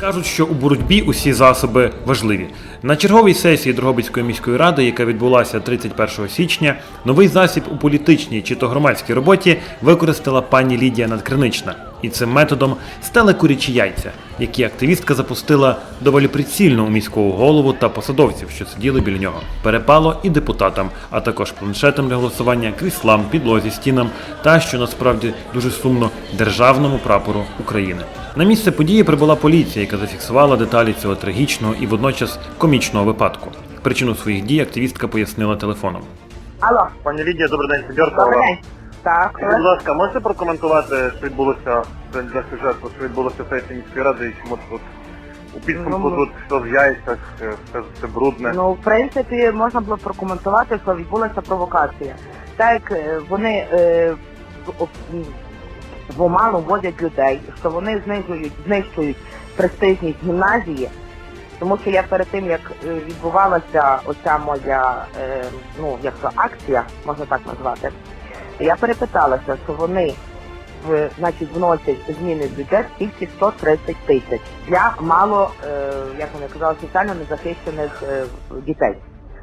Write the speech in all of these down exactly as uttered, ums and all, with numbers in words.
Кажуть, що у боротьбі усі засоби важливі. На черговій сесії Дрогобицької міської ради, яка відбулася тридцять першого січня, новий засіб у політичній чи то громадській роботі використала пані Лідія Надкринична. І цим методом стали курячі яйця, які активістка запустила доволі прицільно у міського голову та посадовців, що сиділи біля нього. Перепало і депутатам, а також планшетам для голосування, кріслам, підлозі, стінам та, що насправді дуже сумно, державному прапору України. На місце події прибула поліція, яка зафіксувала деталі цього трагічного і водночас комічного випадку. Причину своїх дій активістка пояснила телефоном. Алло. Пані Лідія, добрий день, Федорка. Добрий день. Так. Будь ласка, можете прокоментувати, що відбулося для сюжету, що відбулося в сесії міської ради, і чому тут у підсумку Ну, тут все в яйцях, все, все брудне? Ну, в принципі, можна було прокоментувати, що відбулася провокація. Так як е, вони е, в- м, в оману вводять людей, що вони знижують, знищують престижність гімназії, тому що я перед тим, як е, відбувалася оця моя, е, ну, як то, акція, можна так назвати, я перепиталася, що вони в, значить, вносять зміни в бюджет тільки сто тридцять тисяч для мало, е, як вони казали, соціально незахищених е, дітей.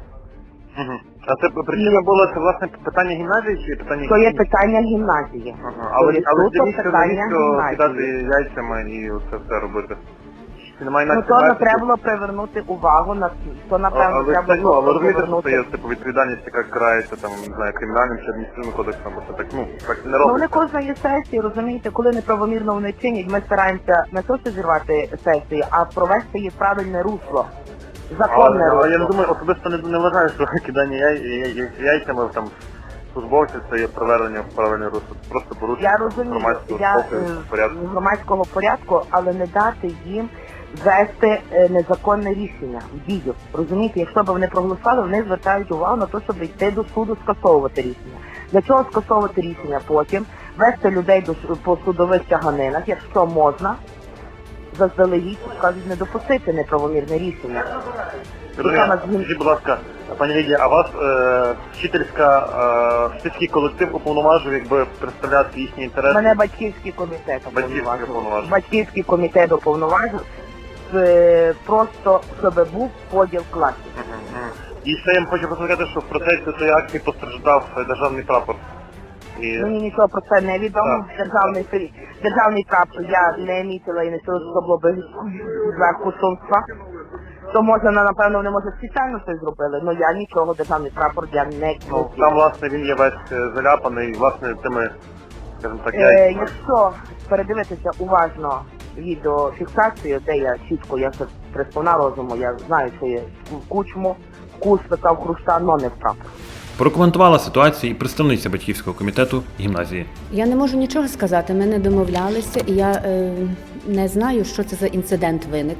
Угу. А це причина була, це власне питання гімназії чи питання То є гімназії? питання гімназії. Ага. Але, То є але суто навіщо, питання навіщо кидати гімназії. яйцями і це все робити? Чи немає Ну, інакше то не методу? треба було привернути увагу на то, напевно, Але, треба ну, було але розумієте, що це привернути. є типу, відповідальність, яка карається там, не знаю, кримінальним чи адміністративним кодексом, бо це так, ну, так не Ну, вони робиться. кожної сесії, розумієте, коли неправомірно вони чинять, ми стараємося не то, що зірвати сесію, а провести її в правильне русло. Законне Але, але я не русло. думаю, особисто не, не вважаю, що кидання яй, яй, яй, яйцями там службовців це є приведення в правильне русло. Просто Я порушення розумію, громадського я спокою, е, порядку. громадського порядку, але не дати їм ввести е, незаконне рішення в дію. Розумієте, якщо б вони проголосували, вони звертають увагу на те, щоб йти до суду, скасовувати рішення. Для чого скасовувати рішення потім? Вести людей до с- по судових тяганинах, якщо можна, заздалегідь, скажуть, не допустити неправомірне рішення. Розумію. Яка нас згін- Скажіть, будь ласка, пані Лідія, а вас е, вчительська, е, вчительський колектив уповноважив, якби представляти їхні інтереси? Мене батьківський комітет Батьківський уповноважив. уповноважив. Батьківський комітет уповноважив, е, просто щоб був поділ класів. Мгм, мгм. І ще я вам хочу сказати, що в процесі цієї акції постраждав е, державний прапор. І... Мені нічого про це не відомо. Так. Державний фрі- державний прапор я не мітила і не чула, що це було би зверху сумства. То може, на- напевно, вони може спеціально щось зробили, але я нічого, державний прапор я не Ну, носила. там, власне, він є весь е, заляпаний, власне, тими, скажімо так, Е, яйцями. якщо передивитися уважно відеофіксацію, де я чітко, я ще приспона розуму, я знаю, що є в кучму, вкус викав хруста, но не в прапор. Прокоментувала ситуацію і представниця батьківського комітету гімназії. Я не можу нічого сказати, ми не домовлялися, і я е, не знаю, що це за інцидент виник.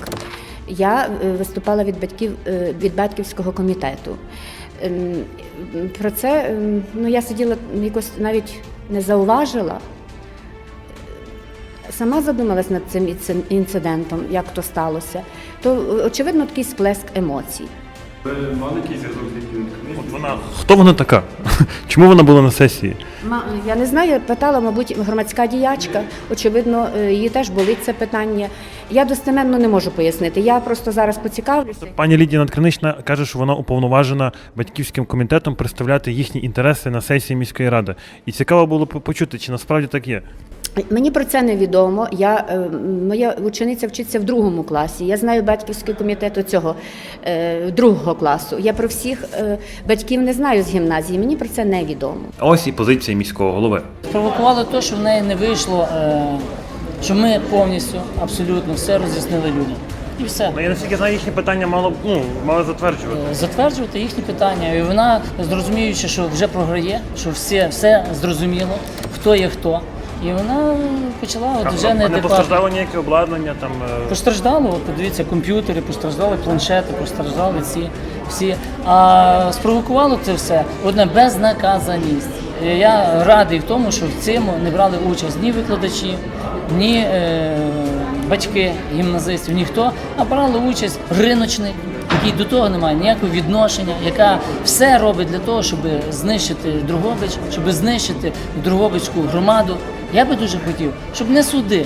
Я е, виступала від батьків е, від батьківського комітету. Ем, Про це ем, ну, я сиділа якось навіть не зауважила. Сама задумалась над цим інци- інцидентом, як то сталося. То, е, очевидно, такий сплеск емоцій. Ви мали якийсь зв'язок з Лідією Надкриничною? От вона, хто вона така? Чому вона була на сесії? Ма- Я не знаю, я питала, мабуть, громадська діячка. Очевидно, е, її теж болить це питання. Я достеменно не можу пояснити. Я просто зараз поцікавлюся. Пані Лідія Надкринична каже, що вона уповноважена батьківським комітетом представляти їхні інтереси на сесії міської ради. І цікаво було б почути, чи насправді так є. Мені про це невідомо. Я, е, моя учениця вчиться в другому класі. Я знаю батьківський комітет цього е, другого класу. Я про всіх е, батьків не знаю з гімназії. Мені про це невідомо. А ось і позиція міського голови. Спровокувало те, що в неї не вийшло, е, що ми повністю, абсолютно все роз'яснили людям. І все. Я наскільки знаю, їхні питання мало, ну, мало затверджувати. Е, Затверджувати їхні питання. І вона, зрозуміючи, що вже програє, що все, все зрозуміло, хто є хто. І вона почала от вже А не неадекватно. постраждало ніяке обладнання там. е, Постраждали, от подивіться, комп'ютери, постраждали планшети, постраждали ці всі. А спровокувало це все одне безнаказаність. І я радий в тому, що в цьому не брали участь ні викладачі, ні е, батьки гімназистів, ніхто, а брали участь риночник, який до того не має ніякого відношення, яка все робить для того, щоб знищити Дрогобич, щоб знищити Дрогобицьку громаду. Я би дуже хотів, щоб не суди,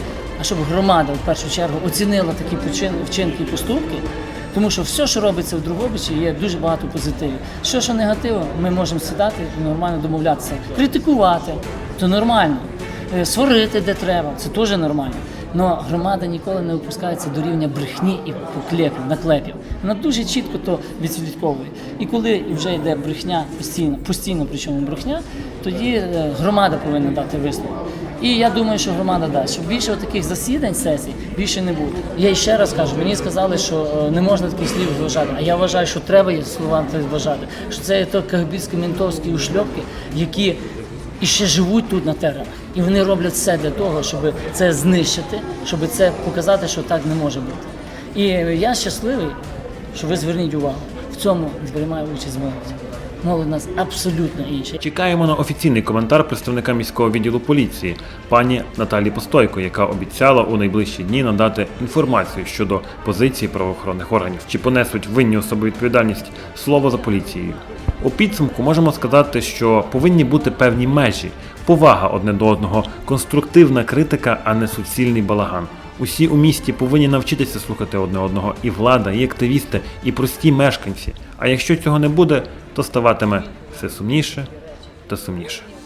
а щоб громада в першу чергу оцінила такі почин- вчинки і поступки. Тому що все, що робиться в Дрогобичі, є дуже багато позитивів. Що, що негативу, ми можемо сідати і нормально домовлятися. Критикувати – це нормально. Е, Сварити, де треба – це теж нормально. Але громада ніколи не опускається до рівня брехні і поклепів, наклепів. Вона дуже чітко то відслідковує. І коли вже йде брехня постійно, постійно причому брехня, тоді е, громада повинна дати висновок. І я думаю, що громада дасть, щоб більше таких засідань сесій більше не буде. Я ще раз кажу, мені сказали, що е, не можна таких слів вважати, а я вважаю, що треба є слова вважати, що це є то кагбістські ментовські ушльопки, які і ще живуть тут на теренах. І вони роблять все для того, щоб це знищити, щоб це показати, що так не може бути. І я щасливий, що ви зверніть увагу. В цьому приймає участь молодь. Молодь у нас абсолютно інша. Чекаємо на офіційний коментар представника міського відділу поліції, пані Наталі Постойко, яка обіцяла у найближчі дні надати інформацію щодо позиції правоохоронних органів. Чи понесуть винні особи відповідальність – слово за поліцією. У підсумку можемо сказати, що повинні бути певні межі, повага одне до одного, конструктивна критика, а не суцільний балаган. Усі у місті повинні навчитися слухати одне одного, і влада, і активісти, і прості мешканці. А якщо цього не буде, то ставатиме все сумніше та сумніше.